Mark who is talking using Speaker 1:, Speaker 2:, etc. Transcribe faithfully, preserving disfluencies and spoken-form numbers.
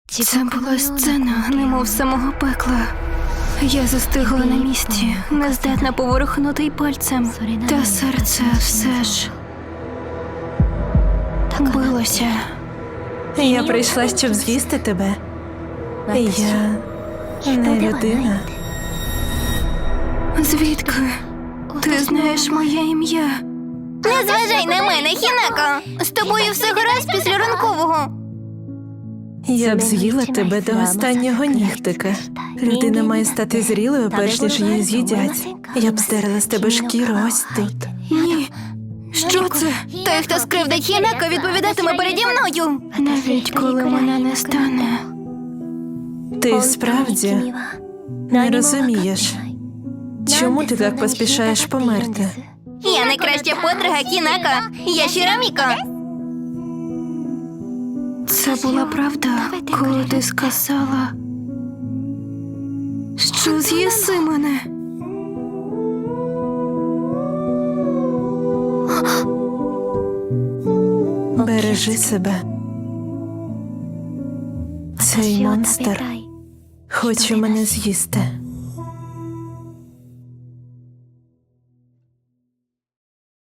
Speaker 1: Це була сцена, немов самого пекла. Я застигла на місці, не здатна поворухнути й пальцем. Та серце все ж билося.
Speaker 2: Я прийшла, щоб з'їсти тебе. Я не людина.
Speaker 1: Звідки? Ти знаєш моє ім'я?
Speaker 3: Не зважай на мене, Хінако! З тобою все гаразд після ранкового.
Speaker 2: Я б з'їла тебе до останнього нігтика. Людина має стати зрілою, перш ніж її з'їдять. Я б здерла з тебе шкіру ось тут.
Speaker 1: Ні. Що це?
Speaker 3: Той, хто скривдить Хінако, відповідатиме переді мною.
Speaker 1: Навіть коли мене не стане.
Speaker 2: Ти справді не розумієш, чому ти так поспішаєш померти?
Speaker 3: Я найкраща подруга Хінако. Я Шіроміко.
Speaker 1: Це була правда, коли ти сказала, що з'їси мене.
Speaker 2: Бережи себе. Цей монстр хоче мене з'їсти.